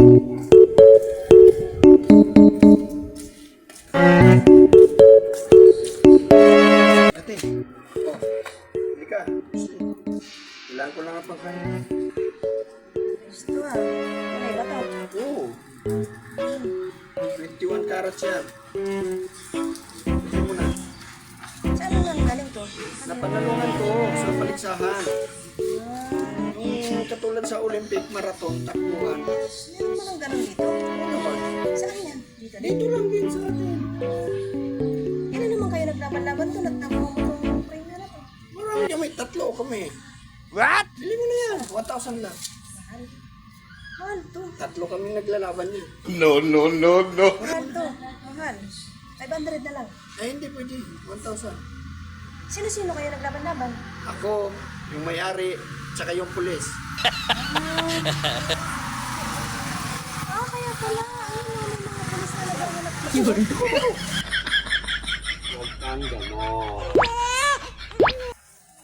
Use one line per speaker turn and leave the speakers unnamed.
Ate, oh, hindi ka. Kailangan ko lang ang pagkain.
Gusto ah. Okay ba to?
Oo. 21 carats yan. Gusto mo na.
Saan mo nang galing to?
Napanalungan ko sa paligsahan. Yung katulad sa Olympic Marathon, takbuhan.
Meron mo nang ganun dito?
Ano ba?
Saan yan? Dito din?
Dito lang din sa atin.
Kailan naman kayo naglaban-laban to? Nagtamo mo itong frame na to?
Marami niya, may tatlo kami. What? Bili mo na yan. 1,000 lang.
Mahal. Mahal to.
Tatlo kami naglalaban niya.
Mahal to. Mahal. 500 na lang.
Ay, hindi pwede. 1,000.
Sino-sino kayo naglaban-laban?
Ako, yung may-ari, tsaka yung pulis.
Kaya pala. Ayun nga may mga pulis na naghahanap.
Huwag kang ganon.